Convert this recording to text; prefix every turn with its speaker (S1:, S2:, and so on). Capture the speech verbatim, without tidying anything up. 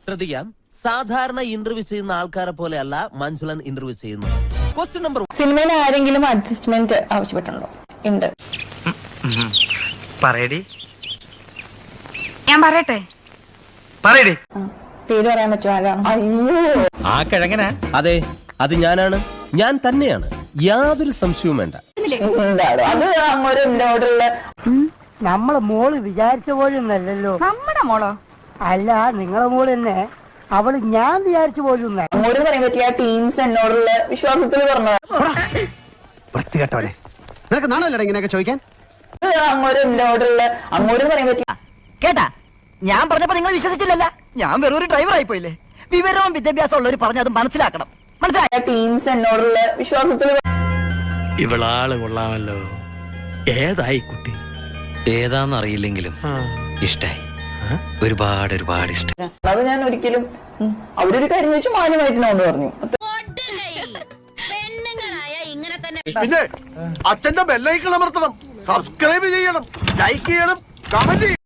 S1: ശ്രദ്ധിക്കാം, സാധാരണ ഇന്റർവ്യൂ ചെയ്യുന്ന ആൾക്കാരെ പോലെയല്ല മഞ്ജുളൻ ഇന്റർവ്യൂ ചെയ്യുന്നത്. ക്വസ്റ്റ്യൻ നമ്പർ
S2: സിനിമയിൽ ആരെങ്കിലും അഡ്ജസ്റ്റ്മെന്റ് ആവശ്യപ്പെട്ടുണ്ടോ? ഉണ്ട്.
S3: പറയടി.
S4: ഞാൻ പറയട്ടെ?
S3: പറയടി.
S2: പേര് പറയാൻ പറ്റുമോ? ആരാണ്? അയ്യോ,
S3: ആ കിഴങ്ങന.
S1: അതെ, അത് ഞാനാണ്, ഞാൻ തന്നെയാണ്, യാതൊരു സംശയവും വേണ്ട.
S2: എന്താണോ അത്? അങ്ങോട്ട് എന്നോടുള്ള
S5: നമ്മളെ മോള് വിചാരിച്ച പോലൊന്നല്ലോ.
S4: നമ്മുടെ മോളോ?
S5: അല്ല, നിങ്ങളെ മോള് തന്നെ. അവള് ഞാൻ വിചാരിച്ച പോലും
S2: അങ്ങോട്ട് പറയാൻ പറ്റിയ ടീംസ് എന്നോടുള്ള വിശ്വാസത്തിൽ പറഞ്ഞത്.
S3: വൃത്തികെട്ടവനെ, നിനക്ക് നാണല്ലോ ഇങ്ങനെയൊക്കെ ചോദിക്കാൻ?
S2: അങ്ങോട്ട് എന്നോടുള്ള അങ്ങോട്ട് പറയാൻ പറ്റിയ
S6: കേട്ടാ, ഞാൻ പറഞ്ഞപ്പോ നിങ്ങൾ വിശ്വസിച്ചില്ലല്ല. ഞാൻ വെറും ഒരു ഡ്രൈവർ ആയി പോയില്ലേ. വിവരവും വിദ്യാഭ്യാസം ഉള്ളവർ പറഞ്ഞത് മനസ്സിലാക്കണം. മനസ്സിലായ
S2: ടീംസ് എന്നോടുള്ള വിശ്വാസത്തിൽ
S3: ഇവളാള് കൊള്ളാമല്ലോ. ഏതായി കുട്ടി?
S7: ഏതാന്നറിയില്ലെങ്കിലും ഇഷ്ടായി, ഒരുപാട് ഒരുപാട് ഇഷ്ടം.
S2: അത് ഞാൻ ഒരിക്കലും അവരൊരു കാര്യം വെച്ച് മാന്യമായിട്ടിനോണ്ട് പറഞ്ഞു.
S8: പിന്നെ അച്ഛന്റെ ബെല്ലൈക്കൺ അമർത്തണം, സബ്സ്ക്രൈബ് ചെയ്യണം, ലൈക്ക് ചെയ്യണം, കമന്റ് ചെയ്യണം.